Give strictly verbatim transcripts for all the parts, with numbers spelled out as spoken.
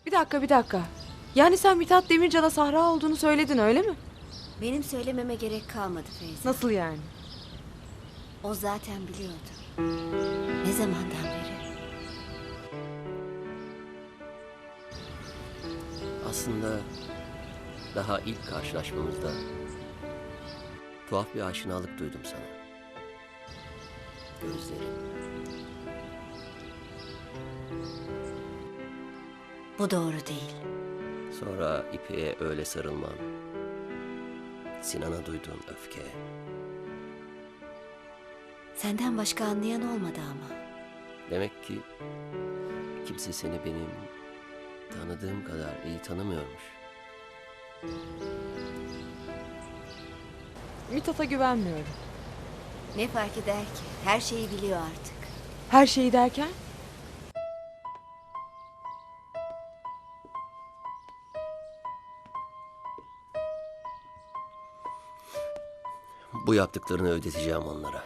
Bir dakika bir dakika. Yani sen Mithat Demircan'a Sahra olduğunu söyledin öyle mi? Benim söylememe gerek kalmadı Feyza. Nasıl yani? O zaten biliyordu. Ne zamandan beri? Aslında daha ilk karşılaşmamızda tuhaf bir aşinalık duydum sana. Gözlerin. Bu doğru değil. Sonra İpek'e öyle sarılman. Sinan'a duyduğun öfke. Senden başka anlayan olmadı ama. Demek ki kimse seni benim tanıdığım kadar iyi tanımıyormuş. Mithat'a güvenmiyorum. Ne fark eder ki? Her şeyi biliyor artık. Her şeyi derken? Bu yaptıklarını ödeteceğim onlara.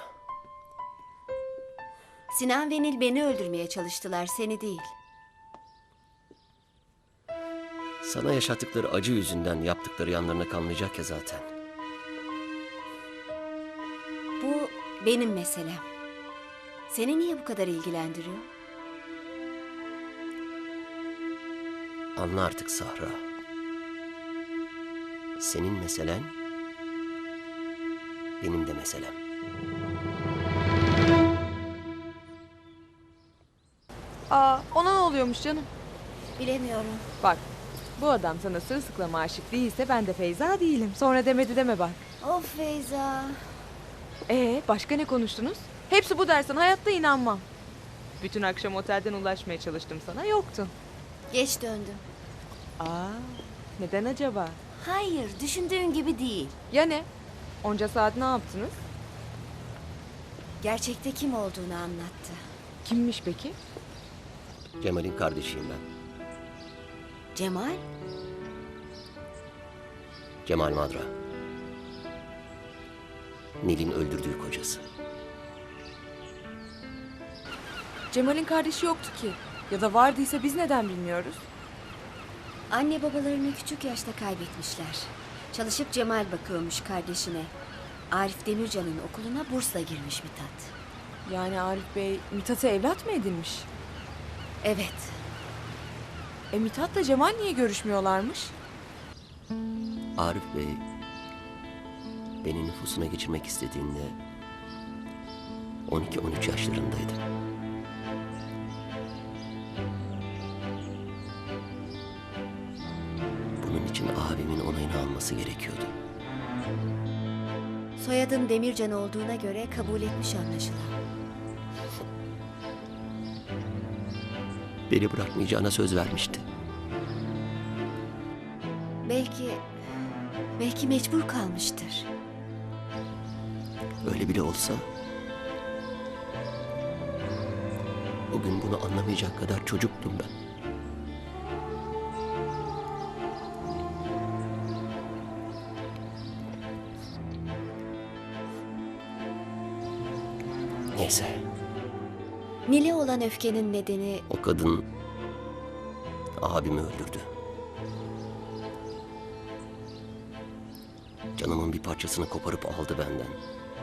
Sinan ve Nil beni öldürmeye çalıştılar, seni değil. Sana yaşattıkları acı yüzünden yaptıkları yanlarına kalmayacak ya zaten. Bu benim meselem. Seni niye bu kadar ilgilendiriyor? Anla artık Sahra. Senin meselen benim de meselem. Aa, ona ne oluyormuş canım? Bilemiyorum. Bak, bu adam sana sırılsıklama aşık değilse ben de Feyza değilim. Sonra demedi deme bak. Of Feyza. Ee, başka ne konuştunuz? Hepsi bu dersen hayatta inanmam. Bütün akşam otelden ulaşmaya çalıştım sana, yoktun. Geç döndüm. Aa, neden acaba? Hayır, düşündüğün gibi değil. Ya ne? Onca saat ne yaptınız? Gerçekte kim olduğunu anlattı. Kimmiş peki? Cemal'in kardeşiyim ben. Cemal? Cemal Madra. Nil'in öldürdüğü kocası. Cemal'in kardeşi yoktu ki. Ya da vardıysa biz neden bilmiyoruz? Anne babalarını küçük yaşta kaybetmişler. Çalışıp Cemal bakıyormuş kardeşine. Arif Demircan'ın okuluna bursla girmiş Mithat. Yani Arif Bey Mithat'ı evlat mı edinmiş? Evet. E Mithat'la Cemal niye görüşmüyorlarmış? Arif Bey beni nüfusuna geçirmek istediğinde on iki on üç yaşlarındaydım. Bunun için abimin onayını alması gerekiyordu. Soyadın Demircan olduğuna göre kabul etmiş anlaşılan. Beni bırakmayacağına söz vermişti. Belki... Belki mecbur kalmıştır. Öyle bile olsa o gün bunu anlamayacak kadar çocuktum ben. Neyse, Nil'e olan öfkenin nedeni o kadın abimi öldürdü. Canımın bir parçasını koparıp aldı benden.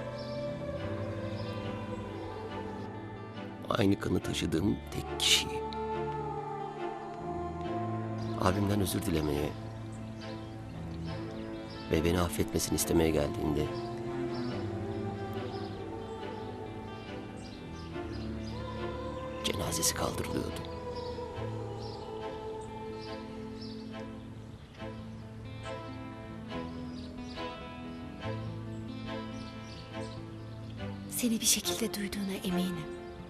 Aynı kanı taşıdığım tek kişiyi. Abimden özür dilemeye ve beni affetmesini istemeye geldiğinde cenazesi kaldırılıyordu. seni bir şekilde duyduğuna eminim.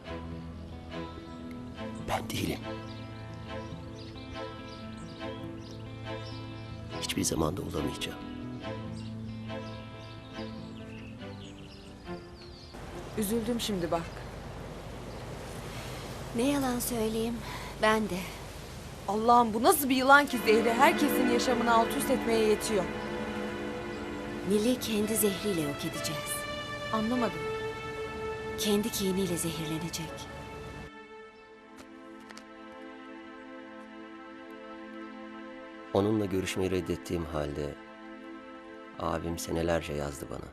Ben değilim. Hiçbir zamanda olamayacağım. Üzüldüm şimdi bak. Ne yalan söyleyeyim, ben de. Allah'ım bu nasıl bir yılan ki zehri herkesin yaşamını alt üst etmeye yetiyor. Nil'i kendi zehriyle yok edeceğiz. Anlamadım. Kendi kiniyle zehirlenecek. Onunla görüşmeyi reddettiğim halde abim senelerce yazdı bana.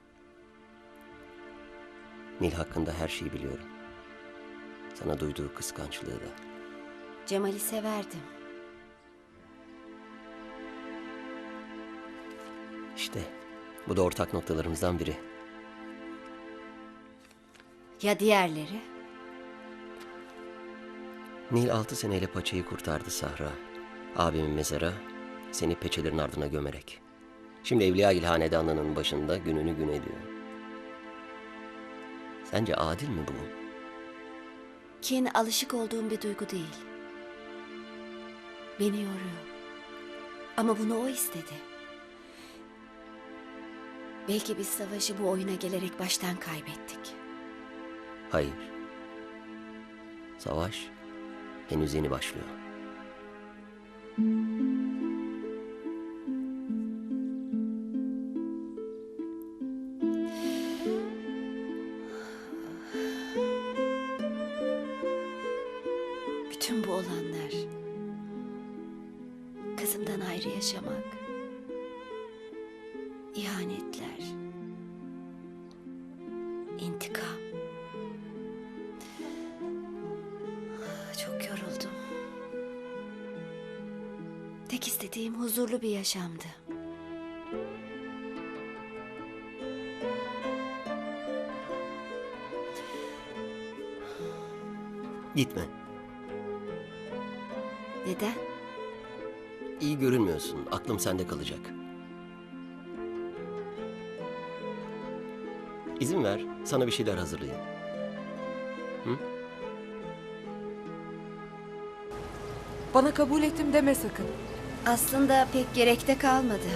Nil hakkında her şeyi biliyorum. Sana duyduğu kıskançlığı da. Cemal'i severdim. İşte bu da ortak noktalarımızdan biri. Ya diğerleri? Nil altı seneyle paçayı kurtardı Sahra. Abimin mezara seni peçelerin ardına gömerek. Şimdi Evliyagil Hanedanlığı'nın başında gününü gün ediyor. Sence adil mi bu? Kin alışık olduğum bir duygu değil. Beni yoruyor. Ama bunu o istedi. Belki biz savaşı bu oyuna gelerek baştan kaybettik. Hayır. Savaş henüz yeni başlıyor. Bütün bu olanlar, kızımdan ayrı yaşamak, ihanetler, intikam. Çok yoruldum. Tek istediğim huzurlu bir yaşamdı. Gitme. Neden? İyi görünmüyorsun. Aklım sende kalacak. İzin ver, sana bir şeyler hazırlayayım. Bana kabul ettim deme sakın. Aslında pek gerekte kalmadı.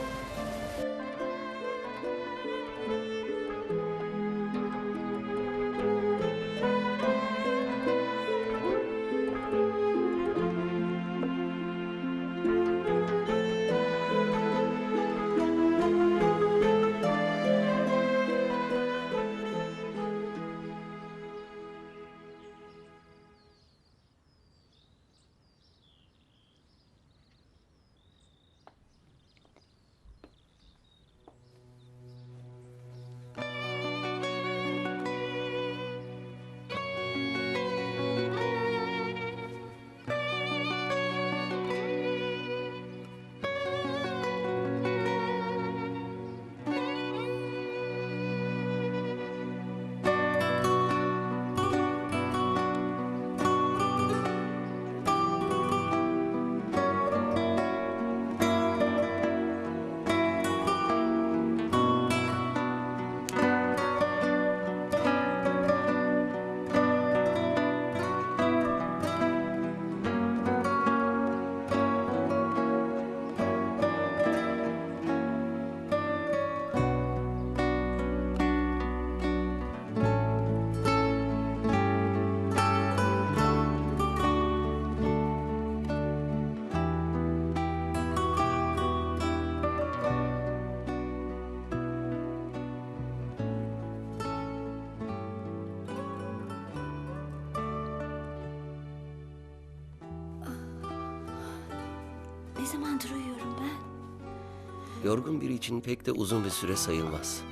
Ne zamandır uyuyorum ben? Yorgun biri için pek de uzun bir süre sayılmaz.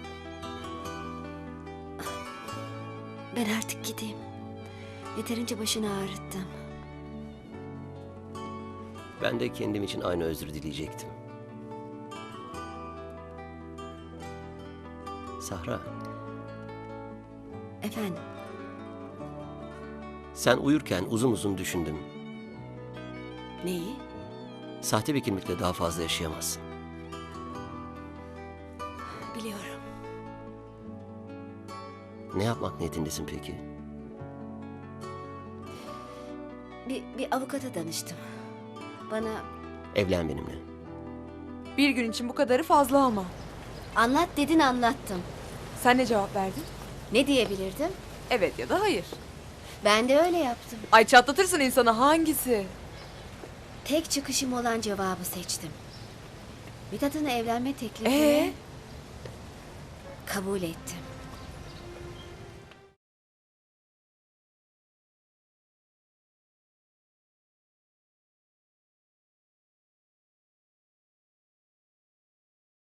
Ben artık gideyim. Yeterince başını ağrıttım. Ben de kendim için aynı özür dileyecektim. Sahra, Efendim, sen uyurken uzun uzun düşündüm. neyi? Sahte bir kimlikle daha fazla yaşayamazsın. Biliyorum. Ne yapmak niyetindesin peki? Bir, bir avukata danıştım. Bana Evlen benimle. Bir gün için bu kadarı fazla ama. anlat dedin, anlattım. Sen ne cevap verdin? Ne diyebilirdim? Evet ya da hayır. Ben de öyle yaptım. Ay çatlatırsın insanı, hangisi? Tek çıkışım olan cevabı seçtim. Mithat'ın evlenme teklifini Ee? kabul ettim.